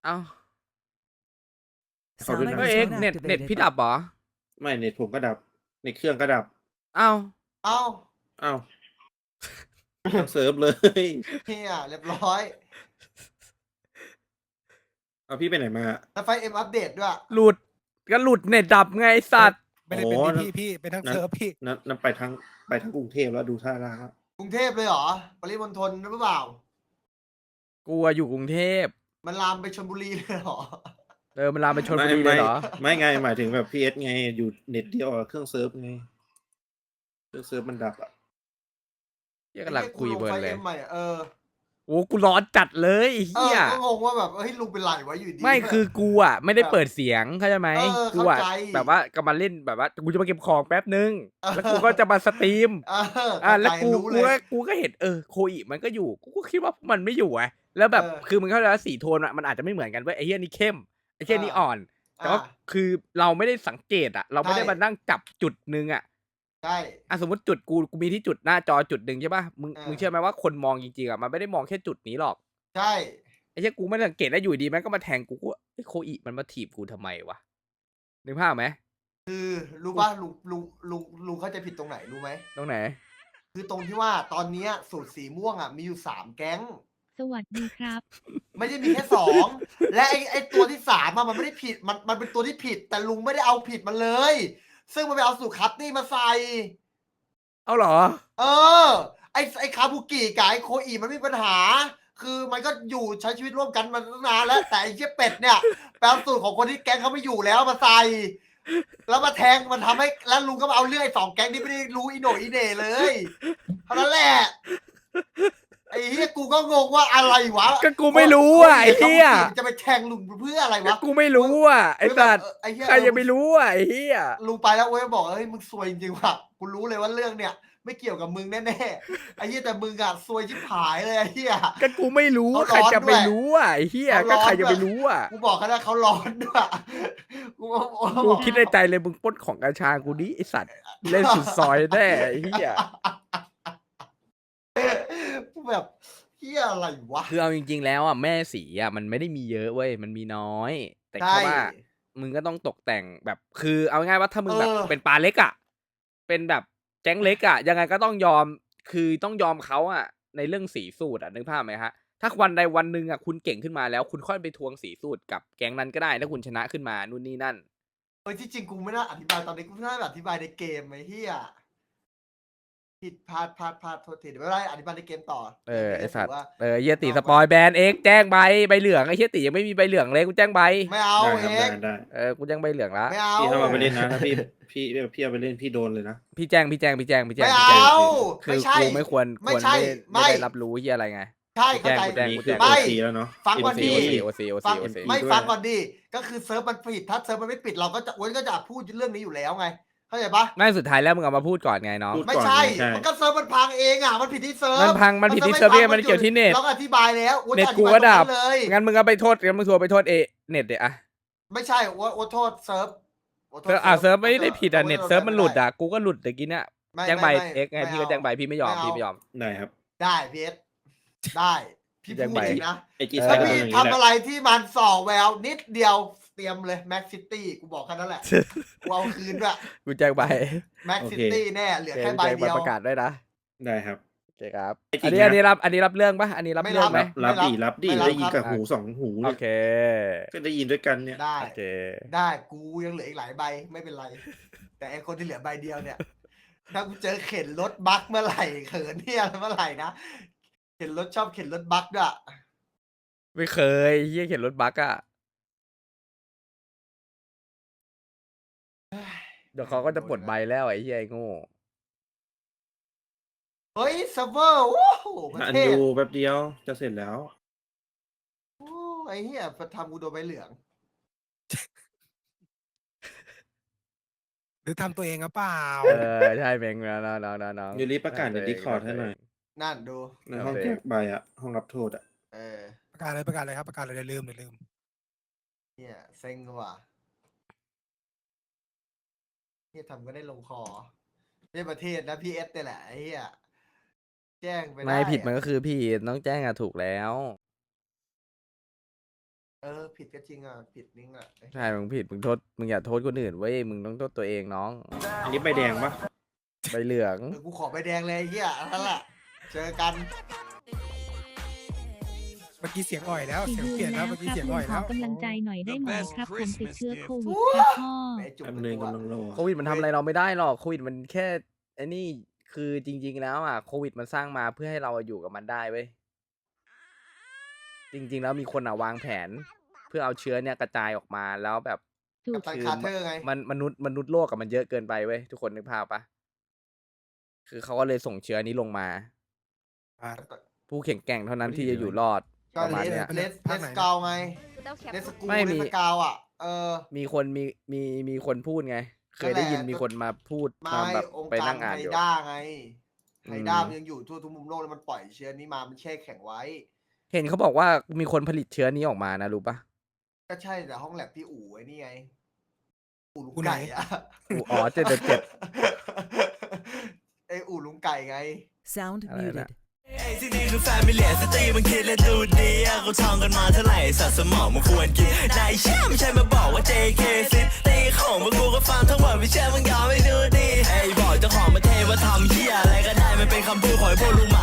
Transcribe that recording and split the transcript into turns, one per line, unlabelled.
เอ้า
ขอดู
Sound
หน่อย
เฮ้ยเอ็ก
microphone
เน็ต
activated.
พี่ดับเหรอ
ไม่เน็ตผมก็ดับเน็ตเครื่องก็ดับ
เอ้า
เอ้า
อ้าวทั้งเซิร์ฟเลย
เฮียเรียบร้อย
เอาพี่ไปไหนมา
แล้วไฟเอ็มอัปเดตด้วย
หลุดก็หลุดเน็ตดับไงไอ้สัตว์
ไม่ได้เป็น
โอ้
ที่พี่เป็นทั้ง
นั่น
เซิร์ฟพี่
นั่นไปทั้งกรุงเทพแล้วดูท่าทางแล้ว
กรุงเทพเลยเหรอ ปริมณฑลหรือเปล่า
กูอยู่กรุงเทพ
มันลามไปชลบุรีเลยเหรอ
มันลามไปชลบุรีเลยเหรอ
ไม่ไงหมายถึงแบบพีเอสไงอยู่เน็ตเดียวกับเครื่องเซิร์ฟไงเครื่องเซิร์ฟมันดับอ่ะ
เหี้ยกำลังคุยเพลินเลย
ไฟอ็มใหม่อะ
โอ้กูร้อนจัดเลยไอ้
เอ
เฮี
อย ก็งงว่าแบบเฮ้ยลุงเป็นไรวะอยู่ดี
ไม่คือกูอ่ะไม่ได้เปิดเสียงเข้าใจไหม กูอ่ะ
เข้าใจ
แบบว่ากำลังเล่นแบบว่ากูจะมาเก็บของแป๊บนึงแล้วกูก็จะมาสตรีม แล้วกู
รู้เลย
ก็เห็นโคอิมันก็อยู่กูก็คิดว่ามันไม่อยู่ไงแล้วแบบ คือมันเข้าใจว่าสีโทนอะมันอาจจะไม่เหมือนกันเว้ยไอ้เหี้ยนี่เข้มไอ้เหี้ยนี่อ่อน แต่ว่าคือเราไม่ได้สังเกตอะเราไม่ได้มานั่งจับจุดนึงอะ
ใช่
สมมติจุดกูมีที่จุดหน้าจอจุดหนึ่งใช่ป่ะมึงเชื่อไหมว่าคนมองจริงๆอะมันไม่ได้มองแค่จุดนี้หรอก
ใช่
ไอ้เหี้ยกูไม่ได้สังเกตแล้วอยู่ดีมันก็มาแทงกูว่าไอ้โคอิมันมาถีบกูทำไมวะนึกภาพไหม
คือรู้ป่ะลุงเข้าใจผิดตรงไหนรู้ไหม
ตรงไหน
คือตรงที่ว่าตอนเนี้ยสูตรสีม่วงอ่ะมีอยู่3 แก๊ง
สวัสดีครับ
ไม่ได้มีแค่2 และไอ้ตัวที่3อะมันไม่ได้ผิดมันเป็นตัวที่ผิด แต่ลุงไม่ได้เอาผิดมันเลย ซึ่งมันไปเอาสูตรคัตตี้มาใส่
เอาเหรอ
เออ ไอ้คาบุกิกับไอ้โคอีมันไม่มีปัญหา คือมันก็อยู่ใช้ชีวิตร่วมกันมาตั้งนานแล้ว แต่ไอ้เชี่ยเป็ดเนี่ยแปลสูตรของคนที่แก๊งเขาไม่อยู่แล้วมาใส่ แล้วมาแทงมันทำให้แล้วลุงก็มาเอาเรื่องไอ้2 แก๊งที่ไม่ได้รู้อีโหนอีเหน่เลยเท่านั้นแหละไอ้เฮียกูก็งงว่าอะไรวะ
ก็กูไม่รู้อ่ะไอ้เหี้ย
จะไปแทงลุงเพื่ออะไร
ก็
วะ
กูไม่รู้อ่ะไอ้สัตว์
ไอ้เหี้ย
ใครจะไปรู้อ่ะไอ้เหี้ย
ลุงไปแล้วเว้ยบอกเฮ้ยมึงซวยจริงๆว่ะกูรู้เลยว่าเรื่องเนี่ยไม่เกี่ยวกับมึงแน่ๆไอ้เหี้ยแต่มึงอะซวยชิบหายเลยไอ้เหี้ย
ก็กูไม่รู้
เขาร้อน
ใครจะไปรู้อ่ะไอ้เหี้ย
เขาร้
ก็
อน
ใครจะไป
ด้วย
รู้อ่ะ
กูบอกเขาแล้วเขาร้อนด้วยกูก็
กูคิดในใจเลยมึงปล้นของกัญชากูดิไอสัตว์เล่นสุดซอยแน่ไอ้เหี้ย
กูแบบเหี้ยอะไรวะ
คือเอาจริงๆแล้วอ่ะแม่สีอ่ะมันไม่ได้มีเยอะเว้ยมันมีน้อย แต่แค่ว่ามึงก็ต้องตกแต่งแบบคือเอาง่ายๆว่าถ้ามึงแบบเป็นปลาเล็กอ่ะเป็นแบบแก๊งเล็กอ่ะยังไงก็ต้องยอมคือต้องยอมเขาอ่ะในเรื่องสีสูตรอ่ะนึกภาพไหมฮะถ้าวันใดวันหนึ่งอ่ะคุณเก่งขึ้นมาแล้วคุณค่อยไปทวงสีสูตรกับแก๊งนั้นก็ได้ถ้าคุณชนะขึ้นมานู่นนี่นั่น
เฮ้ยที่จริงกูไม่น่าอธิบายตอนนี้กูน่าอธิบายในเกมไอ้เหี้ยผิดพลาดโทษทีเดี๋ยวไม่เป็นได้อธิบายในเกมต่อ
ไอสัตว์
ว่า
เฮียติสปอยแบนเอ็กแจ้งใบเหลืองไอเฮียติยังไม่มีใบเหลืองเลยกูแจ้งใบ
ไม่เอา
ได้ครับ
เอ็ก
ได้
กูแจ้งใบเหลืองละ
ไม่เอา
พี่ถ้ามาไปเล่นนะถ้าพี่เอาไปเล่นพี่โดนเลยนะ
พี่แจ้ง
ไม่
พี่แจ้ง
เอา
คื
ไม่
อ
ใช่
กูไม่ควร
ไม่ใช่
ไม่
ไม่
ได้รับรู้เฮียอะไรไง
ใช่เข้าใจ
แจ้ง
นี่
กู
คือ
ไม่
โอซีแล้วเนาะ
ฟังก่อนดิ
โอซี
ฟัง
MC
ไม่
ด้วย
ฟังก่อนดิก็คือเซิร์ฟมันผิดถ้าเซิร์ฟมันไม่ปิดเราก็จะอ้วนก็จะพูดเรื่องนี้อยู่แล้วไงเข้าใจปะ
ไม่สุดท้ายแล้วมึงเอามาพูดก่อนไงน้อง
พูด
ไม่ใช่
ใช่
มันก็เซิร์ฟมันพังเองอ่ะมันผิดที่เซิร์ฟ
มันผิดที่เซิร์ฟไม่มันเกี่ยวที่เน็ต
เราก็อธิบายแล้วอ้วน
เน็ต
อธิ
กู
บาย
ก็ดับ
ตรงนั้นเลย
งั้นมึงเอาไปโทษงั้นมึงทัวร์ไปโทษเน็ตเดี๋ยอะ
ไม่ใช่อ้วนโทษเซิร์ฟอ้วนโทษ
เซิร์ฟไม่ได้ผิดเน็ตเซิร์ฟมันหลุดกูก็หลุดตะกี้เนี่ย
ไม่
แจ้งใบ
ไม่
เอ็กไง
ไม่
พี่ก็แจ้งใบพี่ไม่ยอม
ไม่เอา
พี่ไม่ยอม
ได้ครับ
ได้พีเอสได้พี่
แจ้ง
พูด
ใบ
เองนะ
ไอจี
เออ
ไซ
ถ้า
ด์ก็
พี่
เป็นอย่างนี้แห
ทำ
ละ
อะไรที่มันส่อแววนิดเดียวเตรียมเลยแม็กซิตี้กูบอกแค่นั้นแหละกูเอาคืนด้วย
กูแจ้งใบ
แม็กซิตี้แน่เหลือแค่ใบ
แจ้ง
เดียว
ประกาศด้วยนะ
ได้ครับ
โอเคครับ
ไอ้จริ
อัน
ง
นี้
นะ
อันนี้รับเรื่องปะอันนี้รับ
ไม่
เรื่องไหม
รับ
รับดี
ไม่รับ
ได้ยิน
ครับ
กับหู2 หู
โอ
เนี่ย
เค
ก็ได้ยินด้วยกันเนี่ย
ได้
โอเค
ได้กูยังเหลืออีกหลายใบไม่เป็นไร แต่ไอคนที่เหลือใบเดียวเนี่ยถ้ากูเจอเข็นรถบั๊กเมื่อไหร่เขินเนี่ยเมื่อไหร่นะเข็นรถชอบเข็นรถบั๊กด้วย
ไม่เคยเฮียเขียนรถบักอะเดี๋ยวเขาก็จะปลดใบแล้วไอ้เฮียไอ้โง่
เฮ้ยเซิร์ฟเวอร์โอ้โหประ
อัน
เทศ
ดูแป๊บเดียวจะเสร็จแล้ว
โอ้ไอ้เหี้ยทำกูโดนใบเหลือง
หรือทำตัวเองหรือเปล่า
ใช่เมงแล้วน้อง
ยูริประกาศใน Discord ให้หน่อย
นั่นดู
ในห้องแจกใบอะห้องรับโทษอะ
เออ
ประกาศเลยครับประกาศเลยเดี๋ยวลืม
เนี่ยเซ็งว่ะเนี่ยทำก็ได้ลงคอในประเทศนะพี่เอสเนี่ยแหละไอ้เหี้ยแจ้งไปได้
ไม่ผิดมันก็คือพี่ต้องแจ้งอะถูกแล้ว
ผิดก็จริงอ่ะผิดนิ่งอ่ะ
ใช่มึงผิดมึงโทษมึงอย่าโทษคนอื่นเว้ยมึงต้องโทษตัวเองน้อง
อันนี้ใบแดงปะ
ใบเหลือง
กูขอใบแดงเลยไอ้เฮียนั่นแหละเจอกัน
เมื่อกี้เสียงอ่อยแล้ว
สี่
เสียง
เดื
เปลี่ย
อน น
แล้
แล้ว ว
เมื่อกี้
ครับ
เสียง
ลุ
อ่อง ย
ขอ
แล้ว
กำลังใจหน่อยได้ไหมครับผมติดเชื้อโควิด
Christmas
ครับพ่อ
แม่จุก
แป๊บนึงกำลังรอ
โควิดมันทำอะไรเราไม่ได้หรอกโควิดมันแค่ไอ้นี่คือจริง ๆ แล้วอ่ะโควิดมันสร้างมาเพื่อให้เราอยู่กับมันได้เว้ยจริง ๆ แล้วมีคนอ่ะวางแผน เพื่อเอาเชื้อเนี่ยกระจายออกมาแล้วแบบ
ถูก
กัปตันคาร์เตอร์ไง
มันมนุษย์โลกกับมันเยอะเกินไปเว้ยทุกคนนึกภาพปะคือเขาก็เลยส่งเชื้อนี้ลงมา ผู้แข็งแกร่งเท่านั้นที่จะอยู่รอด
ก็
ประมาณ
เล
เนี้ย
สเกาไงเลสกู
ไม่มี
เลสกาวอ่ะ
มีคนพูดไง เคยได้ยินมีคนมาพูด
ไม่
มาแบบ
องค์
ไป
การ
นั่งอ่าน
ไฮ
อยู่
ด้าไง
อืม
ไฮด้ามันยังอยู่ทั่วทุกมุมโลกแล้วมันปล่อยเชื้อนี้มามันแช่แข็งไว้
เห็นเขาบอกว่ามีคนผลิตเชื้อนี้ออกมานะรู้ปะ
ก็ใช่แต่ห้องแลบที่อู่ไอ้นี่ไงอู่ลุง
อู่ไหน
ไก่อะ
อ๋อ777
ไออู่ลุงไก่ไง
Sound
อะไรนะ
muted.
ไอ้ที่นี่คือแฟมิเลียสตรีมันคิดและดูดีอะกูท่องกันมาเท่าไหร่สัตว์สมองมันควรกินนายเชื่อไม่ใช่มาบอกว่า JK ซิตีของพวกกูก็ฟังทั้งหมดไม่เชื่อมึงยอมไม่ดูดีไอ้บอกเจ้าของมาเทว่าทำเหี้ยอะไรก็ได้มันเป็นคำพูดของไอ้พวกลุง